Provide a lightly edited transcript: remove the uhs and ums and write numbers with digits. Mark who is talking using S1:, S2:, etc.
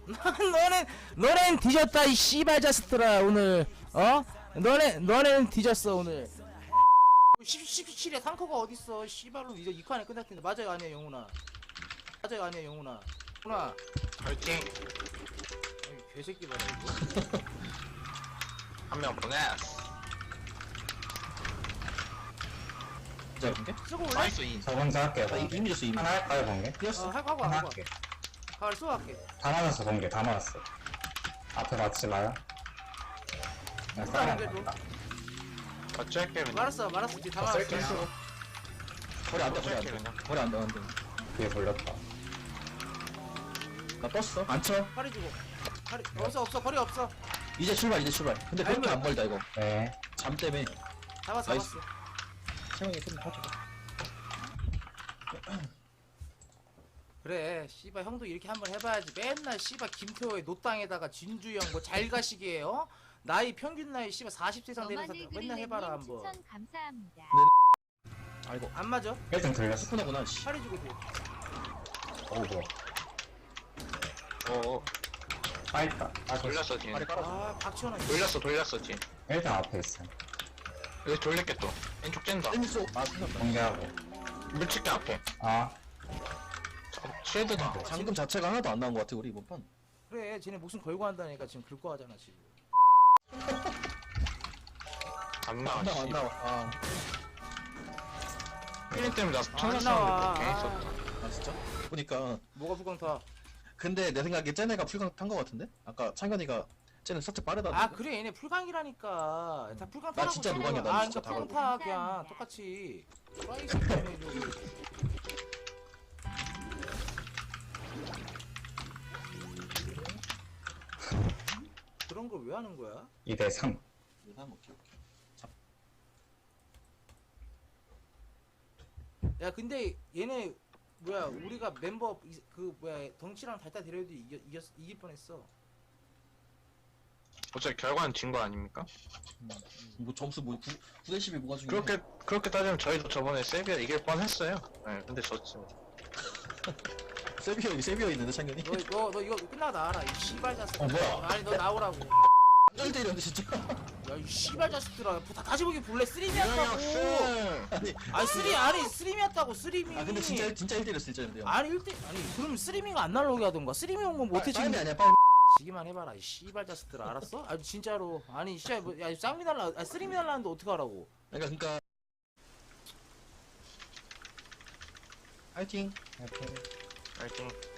S1: 너넨 뒤졌다 이 씨발 자식들아 오늘. 너넨 뒤졌어 오늘. 17에 상커가 어딨어 씨발로 이제 2칸 안에 끝날 텐데. 맞아요 아니야 영훈아. 맞아요 아니야 영훈아. 영훈아
S2: 파이팅.
S1: 아이 개새끼 봐라 이거.
S2: 한 명 보냈어.
S3: 진짜 본게?
S1: 쓰고 올래?
S2: 나이스 인.
S4: 저 먼저 할게요.
S3: 나 이미 줬어 이미.
S4: 하나 할까요, 번개?
S3: 뛰었어.
S1: 하고
S4: 하나
S1: 하고
S4: 할게.
S1: 가을 쏘 할게.
S4: 다 맞았어, 번개. 다 맞았어. 앞에 맞지 마요. 그냥
S1: 누가
S4: 싸움
S1: 연결 좀.
S4: 났다.
S2: 같이 할게 그냥.
S1: 말았어 뒤에 다 말았어.
S4: 쓸게.
S3: 거리 안 돼,
S2: 같이
S3: 거리 안
S2: 할게
S3: 돼.
S2: 그냥.
S3: 거리 안 돼, 안 돼.
S4: 뒤에 돌렸다.
S3: 나 떴어. 안 쳐.
S1: 팔이 주고. 팔이 없어 거리 없어.
S3: 이제 출발, 이제 출발. 근데 그렇게 안 멀다 이거.
S4: 네.
S3: 잠 때문에.
S1: 잡았어.
S3: 나이스. 채영이 좀 터져.
S1: 그래 씨발 형도 이렇게 한번 해봐야지. 맨날 씨발 김태호의 노땅에다가 진주형 뭐 잘 가시게 나이 평균 나이 씨발 40세 이상 되는 사람 맨날 해봐라 한번.
S5: 추천 감사합니다.
S3: 아이고.
S1: 안 맞아?
S4: 1등 들렸어.
S3: 스푸너구나. 씨.
S1: 팔이 주고 뒤에.
S4: 어우, 뭐야.
S2: 어어.
S4: 빠있다. 아,
S2: 돌렸어 뒤에.
S3: 발이 깔아줘.
S1: 아 박지원아.
S2: 돌렸어 뒤에.
S4: 1등 앞에 있어.
S2: 여기 돌릴게 또. 왼쪽 뗀다.
S3: 땡겼어. 아, 생각나.
S4: 번개하고.
S2: 물칠게 앞에.
S4: 아,
S2: 쉴드다.
S3: 잠금 자체가 하나도 안 나온 것 같아 우리 이번 판.
S1: 그래 쟤네 목숨 걸고 한다니까 지금 긁고 하잖아 지금.
S2: 안 나와.
S3: 안 나와. 아,
S2: 필링 때문에 나
S1: 안
S2: 천사
S1: 나와.
S2: 싸움인데 괜히 썼다.
S3: 아 진짜? 보니까.
S1: 뭐가 불광 타?
S3: 근데 내 생각에 쟤네가 풀강 탄 것 같은데? 아까 창현이가 쟤는 살짝 빠르다.
S1: 아 그래 얘네 풀광이라니까. 다 풀광
S3: 나
S1: 타라고.
S3: 진짜
S1: 쟤네가.
S3: 노광이야, 나
S1: 아
S3: 진짜
S1: 그러니까
S3: 다
S1: 풀광 타 그냥 똑같이. 프라이스 때문에 저기. 그런 걸 왜 하는 거야?
S4: 2대 3.
S1: 야 근데 얘네 뭐야 우리가 멤버 그 뭐야 덩치랑 달달 데려도 이길 뻔했어.
S2: 어차피 결과는 진 거 아닙니까?
S3: 뭐 점수 뭐 9대 10이 뭐가 중요해?
S2: 그렇게 따지면 저희도 저번에 세비야 이길 뻔했어요. 네, 근데 졌지.
S3: 세비어 있는데 창현이?
S1: 너 이거 끝나고 나와라 이 씨발 자식.
S4: 뭐야?
S1: 아니 너 나오라고.
S3: 1대1이었는데 진짜.
S1: 야 이 씨발 자식들아 다 다시 보기 볼래 쓰리미였다고.
S3: 아니
S1: 아니 쓰리미였다고 쓰리미.
S3: 아 근데 진짜 1대1이었어 진짜 근데.
S1: 아니 1대 아니 그럼 쓰리미가 안 날라오게 하던가. 쓰리미 온건 못해 지금.
S3: 빨리 아니야 빨리.
S1: 지기만 해봐라 이 씨발 자식들아 알았어? 아 진짜로 아니 씨야 뭐야 쌍미 날라 쓰리미 날라는데 어떡하라고.
S3: 그러니까 파이팅.
S4: 이렇게.
S2: 파이팅.